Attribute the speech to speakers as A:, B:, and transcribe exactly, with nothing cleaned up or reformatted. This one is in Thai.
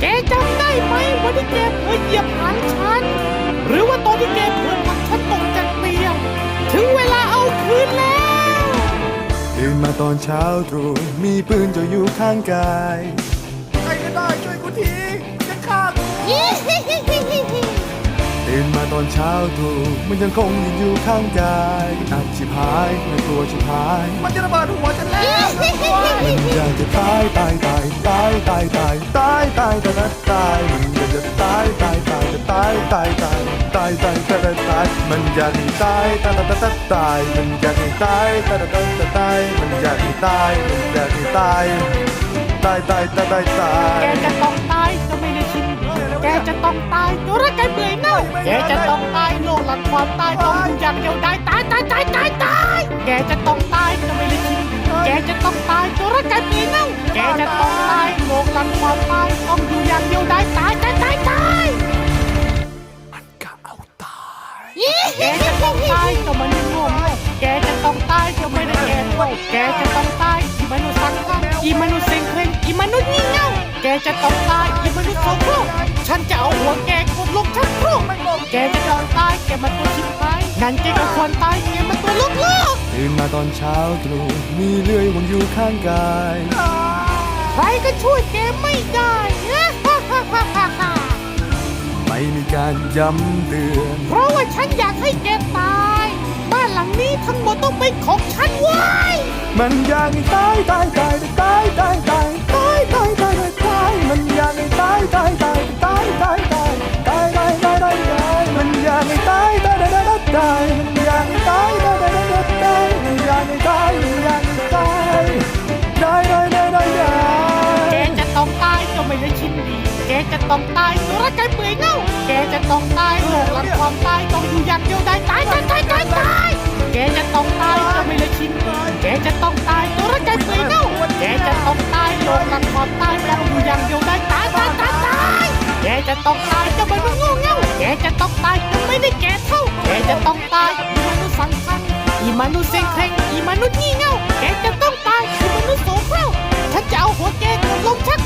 A: แกจำได้ไหมวันที่แกเผลอเหยียบหางฉันหรือว่าตอนที่แกเผลอผลักฉันตกจากเตียงถึงเวลาเอาคืนแล้ว
B: ตื่นมาตอนเช้าตรู่มีปืนจ่ออยู่ข้างกาย
C: ใครก็ได้ช่วยกูทีจะฆ่ากู
B: ตื่นมาตอนเช้าตรู่มันยังคงยืนอยู่ข้างกายอับชิบหายไม่กลัวชิบหาย
C: มันจะระเบิดหัวฉันแล้ว
B: มันอยากจะตายตายตายตายตายตายตายตายตายตายมันอยากจะตายตายตายตายตายตายตายตายตายตายมันอยากให้ตายตายตายตายตายมันอยากให้ตายตายตายตายมันอยากให้ตายมันอยากให้ตายตายตายตายตายตาย
A: แกจะต้องตายก็ไม่ได้ชินแกจะต้องตายตัวร่างกายเบื่อเน่าแกจะต้องตายโลกหลังความตายต้องอยู่อย่างเดียวได้ตายตายตายตายตายแกจะต้องตายก็ไม่ได้ชินแกจะต้องตายตัวร่างกายเบื่อเน่าแกจะต้องตายโลกหลังความตายต้องอยู่อย่างเดียวได้ตายตายตายตาย
C: มันก็เอาตาย
A: แกจะต้องตายก็มันโง่แกจะต้องตายก็ไม่ได้แก่โง่แกจะต้องตายอีมนุษย์สังฆะอีมนุษย์เซ็งเคร่งอีมนุษย์งี่เง่าแกจะต้องตายอีมนุษย์โสโครกฉันจะเอาหัวแกกดลงชักโครกแกจะต้องตายแกมันตัวชิบหายงั้นแกก็ควรตายแกมันตัวลูกโลก
B: ตื่นมาตอนเช้าตรู่มีเลื่อยวางอยู่ข้างกาย
A: ใครก็ช่วยแกไม่ได้
B: ไม่มีการย้ำเตือน
A: เพราะว่าฉันอยากให้แกตายบ้านหลังนี้ทั้งหมดต้องเป็นของฉันเว้ย
B: มันอยากให้ตายตายตายตายตายตายตายตายตายตายตายมันอยากให้ตายตายตายตายตายตายตายตายตายตายตายมันอยากให้ตายตายตายตายตายมันอยากให้ตายตายตายตายตายมันอยากให้ตายมันอยากให้ตายตายตายตายตายตาย
A: แกจะต้องตายก็ไม่ได้ชินดีแกจะต้องตายตัวร่างกายเปื่อยเน่าแกจะต้องตายโลกหลังความตายต้องอยู่อย่างเดียวได้ตายตายตายตายตายแกจะต้องตายก็ไม่ได้ชินดีแกจะต้องตายตัวร่างกายเปื่อยเน่าแกจะต้องตายโลกหลังความตายต้องอยู่อย่างเดียวได้ตายตายตายตายแกจะต้องตายก็ไม่รู้โง่เง่าแกจะต้องตายก็ไม่ได้แก่เท่าแกจะต้องตายอีมนุษย์สังฆะอีมนุษย์เซ็งเคร่งอีมนุษย์งี่เง่าแกจะต้องตายอีมนุษย์โสโครกฉันจะเอาหัวแกกดลงชัก